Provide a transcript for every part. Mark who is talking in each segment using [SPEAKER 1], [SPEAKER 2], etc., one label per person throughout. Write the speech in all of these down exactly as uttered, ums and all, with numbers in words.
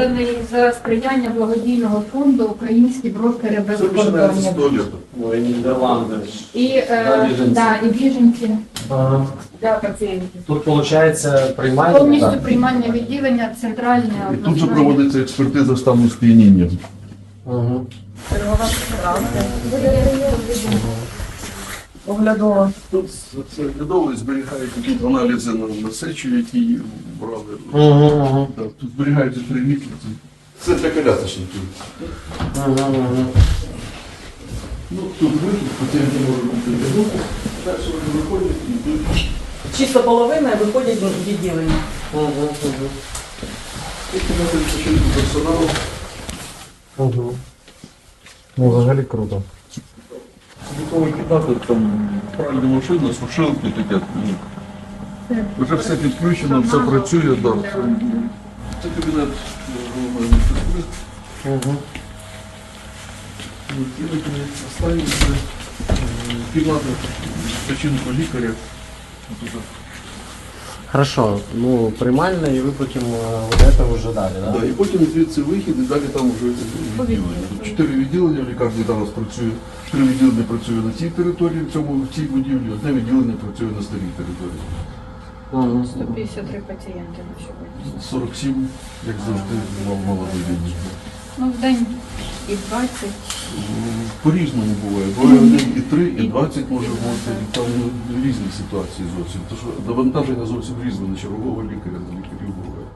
[SPEAKER 1] зроблений за сприяння благодійного фонду «Українські брокери без
[SPEAKER 2] Це починається з
[SPEAKER 1] кордонів».
[SPEAKER 2] туалету.
[SPEAKER 3] Ой, Нідерланди.
[SPEAKER 1] І, е,
[SPEAKER 3] біженці.
[SPEAKER 1] да, і біженці
[SPEAKER 3] Ага.
[SPEAKER 1] для пацієнтів.
[SPEAKER 3] Тут, виходить, приймальня?
[SPEAKER 1] Повністю
[SPEAKER 3] так?
[SPEAKER 1] приймальне відділення, центральне,
[SPEAKER 2] І тут же
[SPEAKER 1] обласне.
[SPEAKER 2] проводиться експертиза стану сп'яніння.
[SPEAKER 3] Угу.
[SPEAKER 1] Чергова справка. Оглядова.
[SPEAKER 2] Тут це оглядовують, зберігають тут аналізи на, на сечу, які брали.
[SPEAKER 3] Угу, угу.
[SPEAKER 2] Так, тут зберігаються три місяці. Це для колясочників.
[SPEAKER 3] Угу, угу.
[SPEAKER 2] Ну, тут вихід, пацієнти можуть купити руку, далі вони виходять і йдуть.
[SPEAKER 4] Чисто половина і виходять в відділення.
[SPEAKER 3] Угу, угу.
[SPEAKER 2] І кімнати відпочинку персоналу.
[SPEAKER 3] Угу. Ну, взагалі круто.
[SPEAKER 2] Готові кімнати, там пральна машина, сушилки таке. Вже все підключено, все працює. Да. Це кабінет головної медсестри.
[SPEAKER 3] Угу.
[SPEAKER 2] Останній це кімната відпочинку лікаря. Тут
[SPEAKER 3] Хорошо, ну приймальня і ви потім е, вот это вже далі, да?
[SPEAKER 2] Да, і потім звідси вихід, і далі там вже відділення. Тут чотири відділення, в лікарні зараз працює, три відділення працює на цій території, в цьому в цій будівлі, одне відділення працює на старій території.
[SPEAKER 3] Угу.
[SPEAKER 1] сто п'ятдесят три пацієнти на сьогодні.
[SPEAKER 2] сорок сім, як завжди, мав молодий день.
[SPEAKER 1] Ну, в день і двадцять.
[SPEAKER 2] По-різному буває. Буває один і три, і двадцять може бути. І там ну, різні ситуації зовсім. Тому що навантаження зовсім різне на чергового лікаря, на лікарів буває.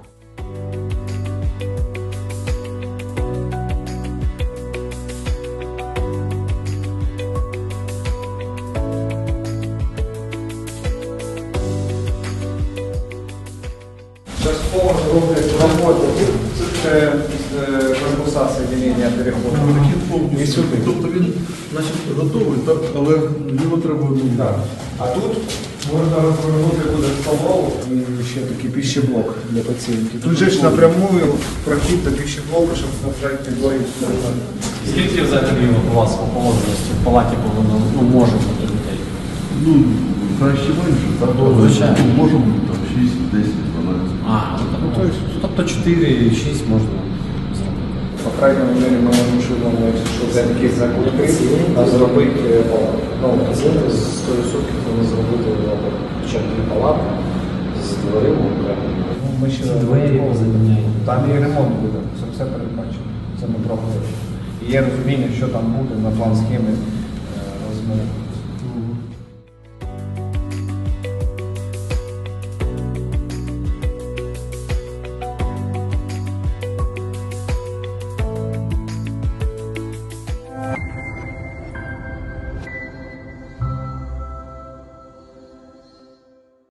[SPEAKER 5] Частково роблять роботу, це корпуса соединення переходу.
[SPEAKER 2] Прохід повністю.
[SPEAKER 5] І сюди.
[SPEAKER 2] Тобто він значить, готовий, так, але його треба ну,
[SPEAKER 5] Так. А тут можна розвернути буде столову і ще такий пищеблок для пацієнтів. Тут же ж напряму прохід до пищеблоку, щоб снабжати підлоги.
[SPEAKER 3] Скільки взагалі у вас по положеності в палаті повинно, ну, може бути людей?
[SPEAKER 2] ну, краще менше, так?
[SPEAKER 3] Ну, звичайно.
[SPEAKER 2] Але може бути там шість, десять, дванадцять.
[SPEAKER 3] А, ну, тобто, тобто чотири-шість можна зробити.
[SPEAKER 5] По крайній мірі ми можемо швидко, якщо взяти якісь закутки, а зробити палату. Ну, з сто відсотків ми зробити хоча б дві палати з дверима окремо. Ну, ми ще
[SPEAKER 3] Двері позаміняємо.
[SPEAKER 5] Там і ремонт буде, це все передбачено. Це ми пробували. І є розуміння, що там буде на план схеми е, розміру.